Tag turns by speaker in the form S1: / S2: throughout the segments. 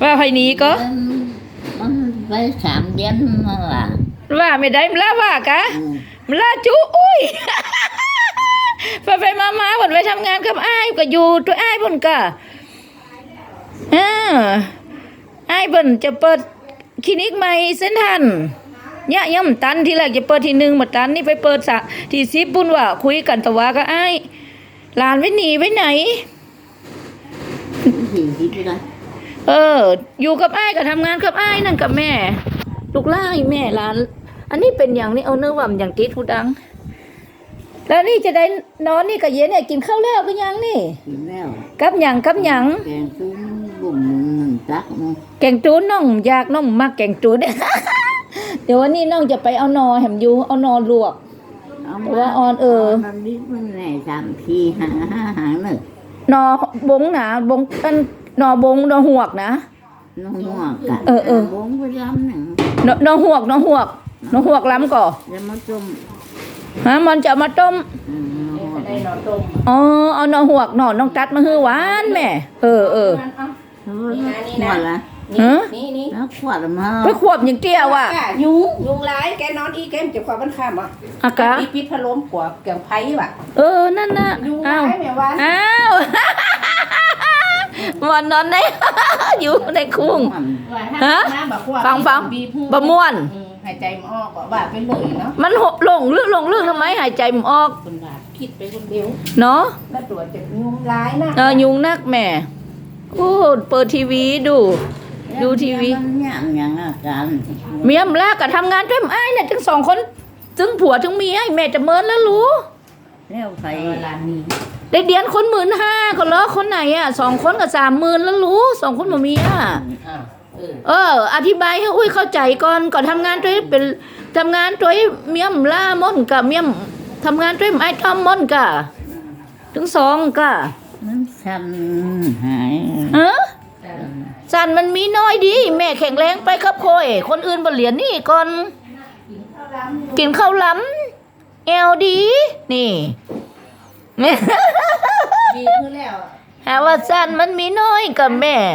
S1: ว่าไผหนีก็
S2: มันไป3 เดือนมาว่า
S1: ว่าไม่ได้มนลาว่ากะมนลาจุอุ้ยไปมาๆเพิ่นไปทำงานกับอ้ายก็อยู่ตัวอ้ายเพิ่นก็อ้ายเพิ่นจะเปิดคลินิกใหม่เส้นทันเนี่ยยังตันที่แรกจะเปิดที่1บ่ตันนี่ไปเปิดที่10ปุ่นว่าคุยกันตะว่าก็อ้ายหลานไปหนีไปไหนอยู่กับอ้ายก็ทำงานกับอ้ายนั่นกับแม่ลูกหลานแม่หลานอันนี้เป็นอย่างนี้เอาเนื้อว่ำอย่างติดหูดังแล้วนี่จะได้นอนนี่กับเย็นเนี่ยกินข้าวแล้วก็ยังนี่
S2: กินแล้ว
S1: กับหยังแกง
S2: จูนบุ่มตัก
S1: แกงจูนน้องอยากน้องมักแกงจูน เดี๋ยววันนี้น้องจะไปเอานอแหมอยู่เอานอลวกแต่ว่าออน
S2: มันนิดมันไหน3 ทีหาหนึ่ง
S1: นอบงนะบงเป็นนอบงนอหวกนะ
S2: นอหวกกันบงไปล้ำหนึ่ง
S1: นอหวกล้ำก่อ
S2: จะมาต้ม
S1: มันจะมาต้มเอานอหวกนอน้องตัดมาฮือหวานแม่
S2: ขวดละนี่แล้วขวดมา
S1: ไปขวบอย่างเตี้ยว่ะ
S3: ยุงร้ายแกนอนอีแกมจะขวบมันข้ามอ่ะ
S1: อากา
S3: ปิดพัดลมขวบเกี่ยงไผ่ว่ะ
S1: นั่นน่ะ
S3: ยุงร้ายแม่ว่า
S1: วันนอนในอยู่ในคุ้งฟังบะม่วน
S3: หายใจมันออกว่าไปเลยเนาะ
S1: มันหบลงเรื่องทำไมหายใจมันออก
S3: คนบาดคิดไปคนเดียว
S1: เนาะ
S3: แล้วตัวจะยุงร้ายนะ
S1: ยุงนักแม่โอ้เปิดทีวีดูทีวี
S2: อย่างอาการ
S1: เมียมลากกับทำงานด้วยไอ้เนี่ยทั้ง2 คนทั้งผัวทั้งเมียแม่จะเมินแล้วรู้
S2: แล้วใคร
S3: ร้านนี้
S1: ได้เดือนคน15,000ก็ล้อคนไหน2 คนกับ30,000แล้วรู้2 คนบ่มีอธิบายให้อุ้ยเข้าใจก่อนทำงานด้วยเป็นทำงานด้วยเมียมล่ามอนกับเมียมทำงานด้วยไอ้ทอมมอนกะถึง2กะ
S2: มันสั่นหาย
S1: สั่นมันมีน้อยดีแม่แข็งแรงไปครับโคยคนอื่นบ่เหรียญนี่ก่อนกินข้าวล้ำเอวดีนี่
S3: ดีขึ้นแล้ว
S1: หาว่าสั่นมันมีน้อยกับแม่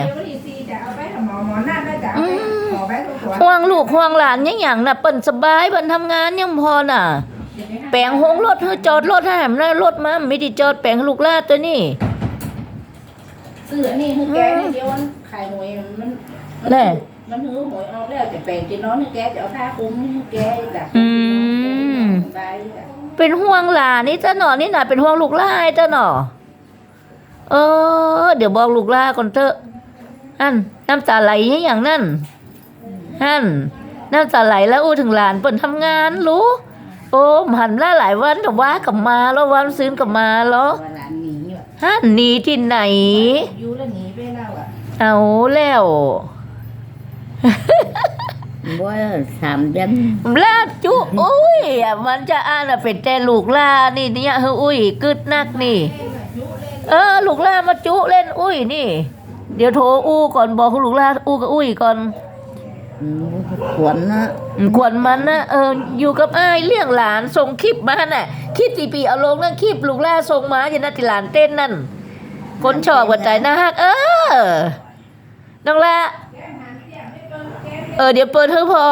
S1: ห่วงลูกห่วงหลานอย่างน่ะเปิ้นสบายเปิ้นทำงานยังพอน่ะแปลงหงรถเฮาจอดรถให้แหมแล้วรถมาไม่ได้จอดแปลงลูกลาดตัวนี้
S3: ซื้ออันนี้คือแกเดียวมันขายหวยมันหือหวยเอาแล้วจะแปลงจะนอนให้แกจะเอาผ้าคลุมให้แกจ้ะ
S1: เป็นห่วงหลานนี่จ้ะหนอนี่น่ะเป็นห่วงลูกลาจ้ะหนอเดี๋ยวบอกลูกลาก่อนเถอะน้ำตาไหลอย่างนั้นน้ำตาไหลแล้วถึงหลานเปิ่นทำงานรู้หันหลายวันแต่ว่ากลับมาแล้ววันซื้อกลับมาแล้วหนีที่ไหน
S3: อยู่แล้วหนีไปแล้ว
S1: เอาแล้ว
S2: ว่า3 เดือน
S1: ลาจุอุ้ยมันจะเป็นแต่ลูกลานี่เนี่ยอุ้ยกึดนักนี่ลูกลามาจุเล่นอุ้ยนี่เดี๋ยวโทรก่อนบอกลูกลากับอุ้ยก่อน
S2: ขวัญ
S1: มันนะอยู่กับอ้ายเลี้ยงหลานส่งคลิปมาน่ะคลิปตีเอาลงนั่นคลิปลูกลาส่งมาอย่างนั้นที่หลานเต้นนั่นคนชอบหัวใจนะฮักน้องละเดี๋ยวเปิดเธอพอ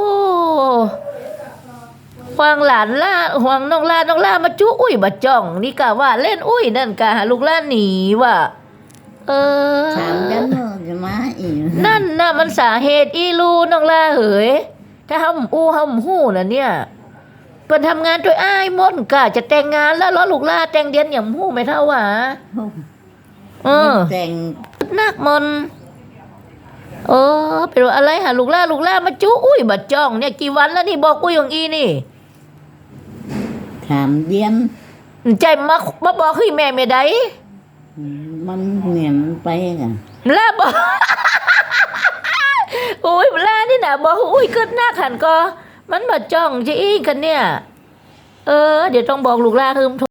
S1: ห่วงหลานล่าห่วงน้องลามาจุอุ้ยมาจ้องนี่กะว่าเล่นอุ้ยนั่นกะลูกลาหนีว่ะ
S2: 3 เดือนจะมาอีก
S1: นั่นน่ะมันสาเหตุอีลูน้องลาเหยถ้าห้ำหู้น่ะเนี่ยเพิ่นทำงานด้วยอ้ายมนกะจะแต่งงานแล้วลูกลาแต่งเดือนอย่างหู้ไม่เท่าหวะ
S2: แต่ง
S1: นักมนเป็นว่าอะไรลูกลามาจุอุ้ยมาจ้องเนี่ยกี่วันแล้วนี่บอกอุ้ยของอีนี่
S2: 3 เดือน
S1: ใจมาบอกให้แม่ไม่ได้
S2: มันเหนียนไปกัน
S1: ลาบอกอุ้ยลานี่นะบอกอุ้ยเกิดหน้าขันก็มันมาจ้องจะอีกันเนี่ยเดี๋ยวต้องบอกลูกลาคือ